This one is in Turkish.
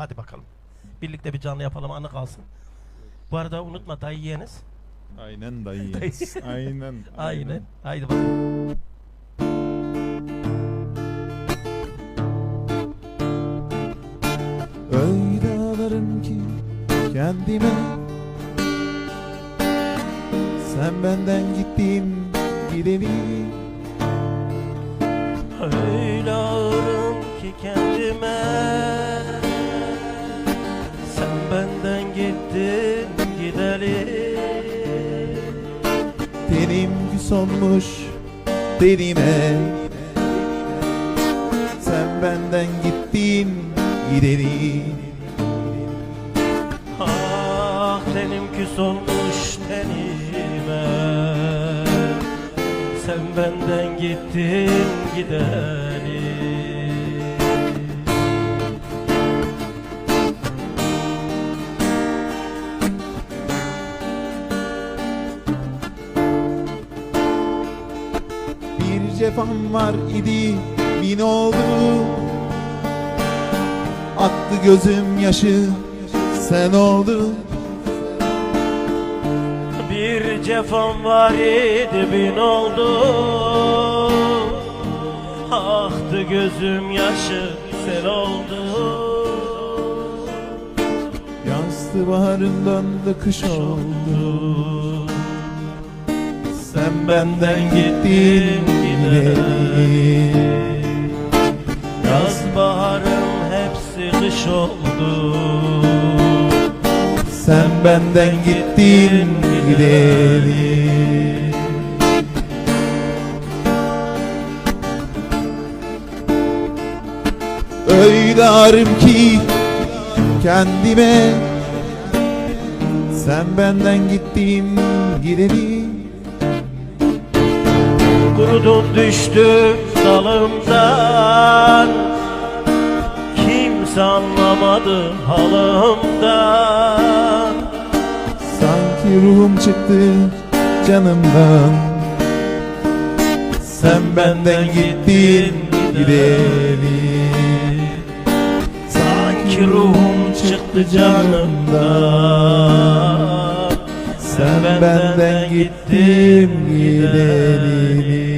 Hadi bakalım. Birlikte bir canlı yapalım, anı kalsın. Bu arada unutma, dayı yeğeniz. Aynen dayı. Aynen. Aynen. Haydi bakalım. Öyle ağlarım ki kendime, sen benden gittin gideli. Öyle ağırım ki kendime, sen benden gittin gideli. Tenim küs olmuş derime, sen benden gittin gideli. Ah tenim küs olmuş tenime, sen benden gittin gideli. Bir cefam var idi, bin oldu. Attı gözüm yaşı, sen oldun. Bir cefam var idi, bin oldu. Aktı gözüm yaşı, sen oldun. Yazdı baharından da kış oldu. Sen benden gittin gideli. Yaz baharım hepsi kış oldu. Sen benden gittin gideli. Öyle ağrım ki kendime, sen benden gittin gideli. Kurudun düştün dalımdan, kimse anlamadı halımdan. Sanki ruhum çıktı canımdan, sen benden gittin gideli. Sanki ruhum çıktı canımdan, sen benden gittin gideli.